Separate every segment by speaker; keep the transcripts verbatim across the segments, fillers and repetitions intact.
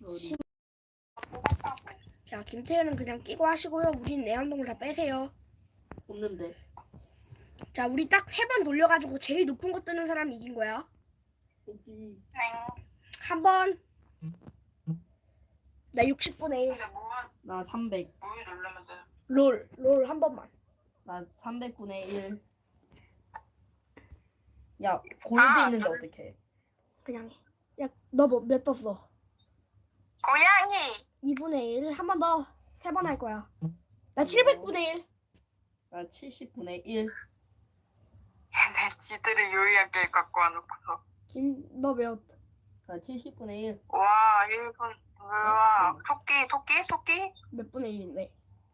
Speaker 1: 어디?
Speaker 2: 자, 김태현은 그냥 끼고 하시고요. 우린 내한동을 다 빼세요.
Speaker 1: 없는데.
Speaker 2: 자, 우리 딱 세 번 돌려가지고 제일 높은 거 뜨는 사람이 이긴 거야.
Speaker 1: 여기.
Speaker 2: 한 번. 나 육십 분의 일.
Speaker 1: 나 삼백.
Speaker 2: 롤. 롤 한 번만.
Speaker 1: 나 삼백분의 일. 야, 골드
Speaker 3: 아,
Speaker 1: 있는데 어떡해?
Speaker 2: 그냥 해. 야, 너 뭐 몇 떴어?
Speaker 3: 고양이.
Speaker 2: 이분의 일. 한 번 더. 세 번 할 거야. 나 칠백분의 일.
Speaker 1: 나 칠십분의 일.
Speaker 3: 얘네 지들이 요리하게 갖고 와놓고서.
Speaker 2: 김, 너 몇?
Speaker 1: 나 칠십분의 일.
Speaker 3: 와, 일 분. 우와, 토끼, 토끼, 토끼?
Speaker 2: 몇 분의 일인데?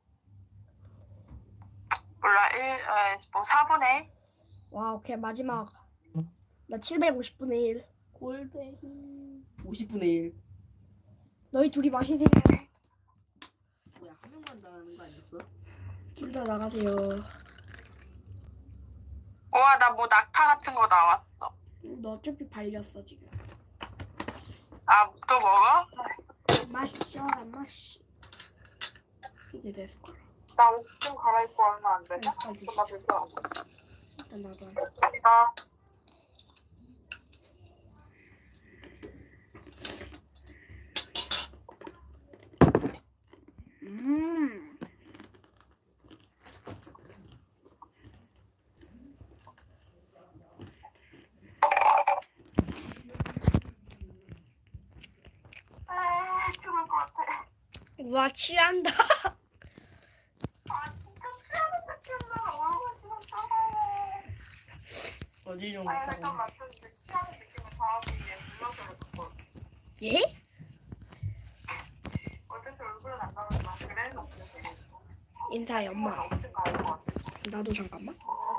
Speaker 3: 몰라, 일, 에, 뭐, 사분의 일?
Speaker 2: 와, 오케이. 마지막. 나 칠백오십분의 일.
Speaker 1: 골드 힘. 오십분의 일.
Speaker 2: 너희 둘이 마시세요.
Speaker 1: 뭐야, 한 명만 나가는 거 아니었어?
Speaker 2: 둘 다 나가세요.
Speaker 3: 우와, 나 뭐 낙타 같은 거 나왔어.
Speaker 2: 너 어차피 발렸어, 지금.
Speaker 3: 아, 또 먹어?
Speaker 2: 마시죠, 안 마시. 이제 됐을 거야.
Speaker 3: 나 옷 좀 갈아입고 얼마 안 되냐?
Speaker 2: 빨리
Speaker 3: 좀 마실까?
Speaker 2: 일단 나도 안
Speaker 3: 감사합니다.
Speaker 2: 음.
Speaker 3: 아, 죽을 것 같아.
Speaker 2: 와, 취한다.
Speaker 3: 아, 진짜 취하는 느낌나. 얼굴 지금 따가워.
Speaker 1: 어디 좀
Speaker 3: 아니,
Speaker 1: 갔다
Speaker 3: 잠깐
Speaker 1: 오네.
Speaker 3: 맞췄는데 취하는 느낌을 다하기 위해 눌러서 그랬어.
Speaker 2: 예?
Speaker 3: 어차피 얼굴은 안 나왔나? 그래? 없으세요.
Speaker 2: 인사해, 엄마.
Speaker 3: 어쨌든 가을 것 같아.
Speaker 2: 나도 잠깐만.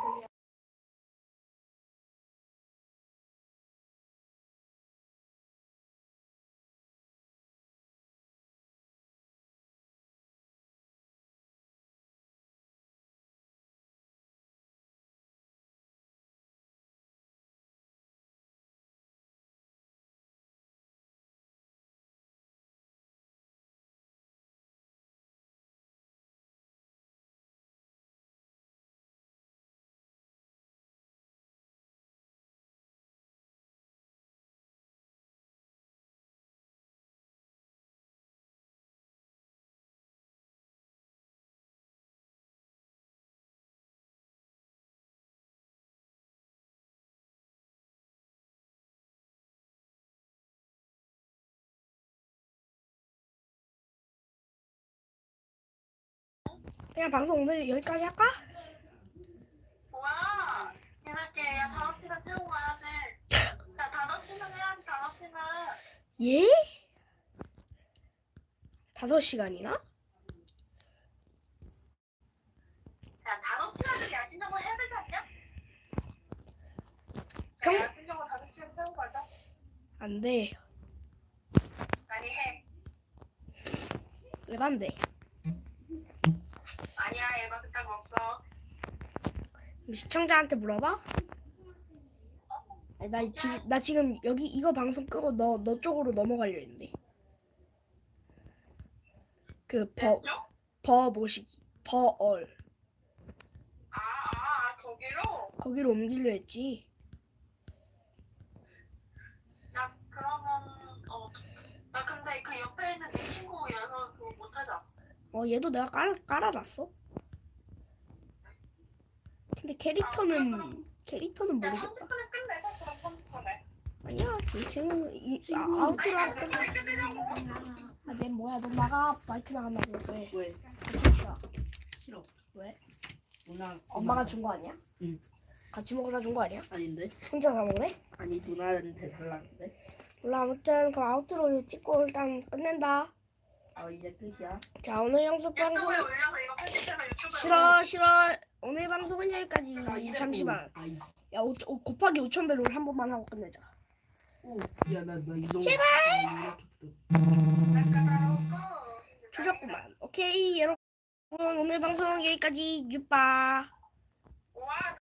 Speaker 2: 그냥 방송 오늘 여기까지 할까?
Speaker 3: 뭐야? 이렇게 야 다섯 시간 채우고 가야 돼. 야 다섯 시간 해야지 다섯 시간.
Speaker 2: 예? 다섯 시간이나?
Speaker 3: 야 다섯 시간을 야근 정도 해야 되지 않냐?
Speaker 2: 형?
Speaker 3: 야, 야근 정도 다섯 시간 채우고 가자.
Speaker 2: 안 돼.
Speaker 3: 아니 해.
Speaker 2: 왜 안 돼?
Speaker 3: 아니야 얘가 그딴 거 없어.
Speaker 2: 시청자한테 물어봐? 아니, 나, 지, 나 지금 여기 이거 방송 끄고 너, 너 쪽으로 넘어가려 했는데. 그, 버,
Speaker 3: 왼쪽?
Speaker 2: 버 모시기. 버얼.
Speaker 3: 아, 아, 아 거기로?
Speaker 2: 거기로 옮기려 했지.
Speaker 3: 야 그러면 어. 나 근데 그 옆에 있는 내 친구 여서 그거 못하자.
Speaker 2: 어, 얘도 내가 깔, 깔아놨어. 근데 캐릭터는, 캐릭터는
Speaker 3: 야
Speaker 2: 모르겠다.
Speaker 3: 삼십 분에 끝내자 그럼 삼십 분에.
Speaker 2: 아니야, 지금, 이, 아, 아웃으로 하고 끝내. 아, 내 뭐야, 너 나가. 마이크 나간다고. 왜?
Speaker 1: 왜?
Speaker 2: 같이 먹자.
Speaker 1: 싫어.
Speaker 2: 왜?
Speaker 1: 누나.
Speaker 2: 엄마가 준 거 아니야?
Speaker 1: 응.
Speaker 2: 같이 먹으라 준 거 아니야?
Speaker 1: 아닌데?
Speaker 2: 혼자 다 먹네?
Speaker 1: 아니, 누나한테 달라는데?
Speaker 2: 몰라, 아무튼 그 아웃으로 찍고 일단 끝낸다.
Speaker 1: 어, 이제 끝이야.
Speaker 2: 자, 오늘 영수 방송
Speaker 3: 유튜브에 올려서 이거 편집해서 유튜브에
Speaker 2: 싫어 싫어. 오늘 방송은 여기까지. 잠시만.
Speaker 1: 아, 이-
Speaker 2: 야, 오, 오, 곱하기 오천 배로 한 번만 하고 끝내자.
Speaker 1: 오, 야, 나, 나 이정.
Speaker 2: 제발!
Speaker 3: 올려서.
Speaker 2: 주셨구만. 오케이, 여러분 오늘 방송 여기까지. 유빠.
Speaker 3: 와